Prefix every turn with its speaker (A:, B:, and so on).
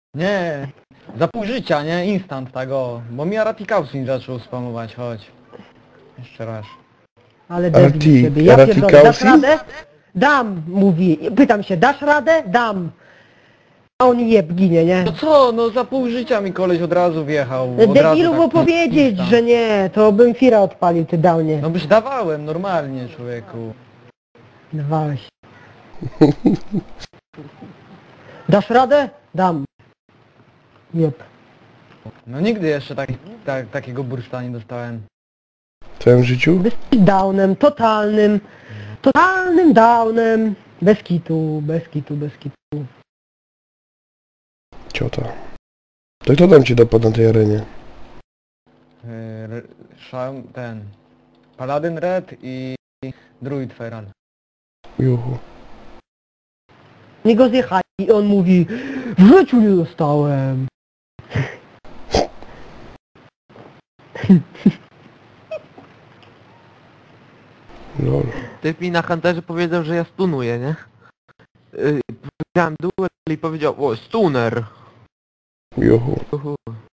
A: Nie, za pół życia, nie? Instant tego. Bo mi Aratikausin zaczął spamować, chodź. Jeszcze raz.
B: Ale debil z ciebie, ja pierdolę, dasz radę? Dam, mówi. Pytam się, dasz radę? Dam. A on jeb ginie, nie?
A: No co, no za pół życia mi koleś od razu wjechał. Od razu
B: Debilu,
A: tak
B: bo powiedzieć,
A: instant.
B: że nie, to bym Fira odpalił, ty downie.
A: No byś dawałem normalnie, człowieku.
B: Dawałeś. Dasz radę? Dam. Jeb.
A: No nigdy jeszcze takiego burszta nie dostałem.
C: W twoim życiu?
B: Jesteś downem, totalnym downem. Bez kitu, bez kitu, bez kitu.
C: Ciota. To kto tam ci dopadł na tej arenie?
A: Ten... Paladin Red i Druid Feral.
C: Juhu.
B: Nie go zjechali i on mówi, w życiu nie dostałem.
C: Lol.
D: Typ mi na Hunterze powiedział, że ja stunuję, nie? Powiedziałem duel i powiedział, o, stuner.
C: Juhu.
D: Uhu.